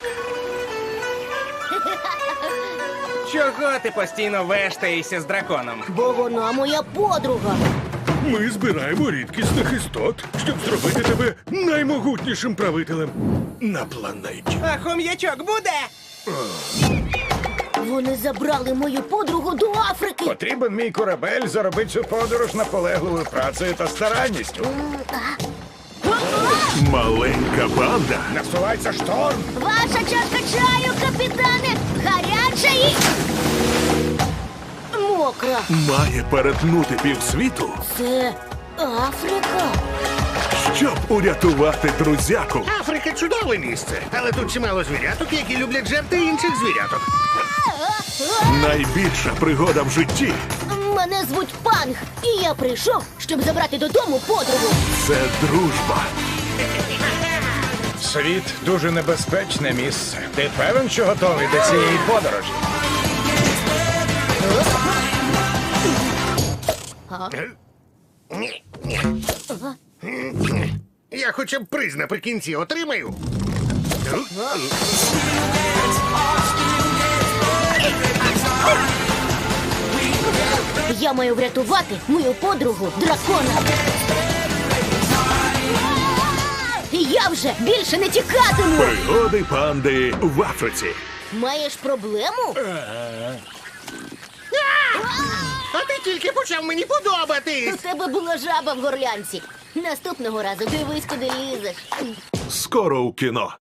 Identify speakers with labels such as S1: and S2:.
S1: Чого ти постійно вештаєшся з драконом?
S2: Бо вона моя подруга.
S3: Ми збираємо рідкісних істот, щоб зробити тебе наймогутнішим правителем на планеті.
S1: А хом'ячок буде?
S2: Вони забрали мою подругу до Африки.
S4: Потрібен мій корабель заробити цю подорож наполегливою працею та старанністю.
S3: Маленька банда
S4: Насувається шторм.
S2: Ваша чашка чаю, капітане, гаряча і... мокра.
S3: має перетнути півсвіту,
S2: Це Африка.
S3: щоб урятувати друзяку.
S5: Африка чудове місце, але тут чимало звіряток, які люблять жерти інших звіряток.
S3: Найбільша пригода в житті
S2: Мене звуть Панг, і я прийшов, щоб забрати додому подругу.
S3: – це дружба.
S4: Світ дуже небезпечне місце. Ти певен, що готовий до цієї подорожі?
S5: Ні, ні. Я хоча б приз наприкінці отримаю.
S2: Я маю врятувати мою подругу дракона. Я вже більше не тікатиму.
S3: Пригоди панди в Африці.
S2: Маєш проблему?
S5: А ти тільки почав мені подобатись.
S2: У тебе була жаба в горлянці. Наступного разу дивись, куди лізеш.
S3: Скоро у кіно.